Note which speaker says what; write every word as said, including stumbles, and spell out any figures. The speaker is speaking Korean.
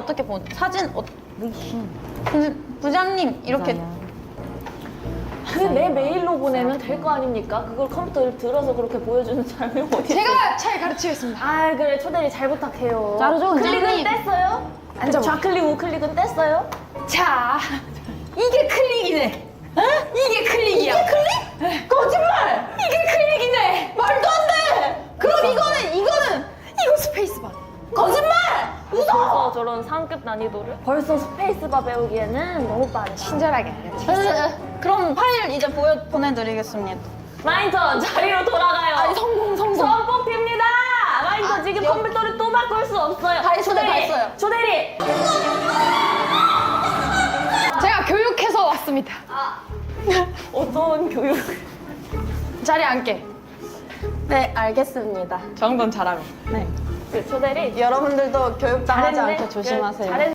Speaker 1: 어떻게 보 사진 어, 부, 부장님 이렇게
Speaker 2: 그냥 내 메일로 보내면 될 거 아닙니까? 그걸 컴퓨터를 들어서 그렇게 보여주는 사람이 어디 있어?
Speaker 3: 제가 잘 가르치겠습니다.
Speaker 2: 아 그래 초대리 잘 부탁해요.
Speaker 1: 자르죠,
Speaker 2: 클릭은
Speaker 1: 원장님.
Speaker 2: 뗐어요?
Speaker 3: 앉아봐.
Speaker 2: 좌클릭 우클릭은 뗐어요?
Speaker 3: 자, 이게 클릭이네. 어? 이게 클릭이야. 이게 클릭? 거짓말! 이게 클릭이네. 말도 안 돼. 그럼 이거는 이거는 이거 스페이스바. 거짓말! 웃어.
Speaker 2: 벌써 저런 상급 난이도를? 벌써 스페이스바 배우기에는 너무 빠르다.
Speaker 3: 친절하게 알려드리.
Speaker 1: 그럼 파일 이제 보여 보내드리겠습니다.
Speaker 2: 마인턴 자리로 돌아가요.
Speaker 3: 아니 성공 성공.
Speaker 2: 수험 뽑힙니다. 마인턴
Speaker 1: 아,
Speaker 2: 지금
Speaker 1: 여-
Speaker 2: 컴퓨터를 또 바꿀 수 없어요.
Speaker 1: 다 했어요, 다
Speaker 2: 초대리,
Speaker 1: 했어요.
Speaker 2: 초대리.
Speaker 3: 제가 교육해서 왔습니다.
Speaker 2: 어떤 교육?
Speaker 3: 자리에 앉게.
Speaker 1: 네, 알겠습니다.
Speaker 3: 정돈 잘하고.
Speaker 1: 네.
Speaker 2: 그 초대리.
Speaker 1: 여러분들도 교육당하지
Speaker 2: 잘했네.
Speaker 1: 않게 조심하세요.
Speaker 2: 잘했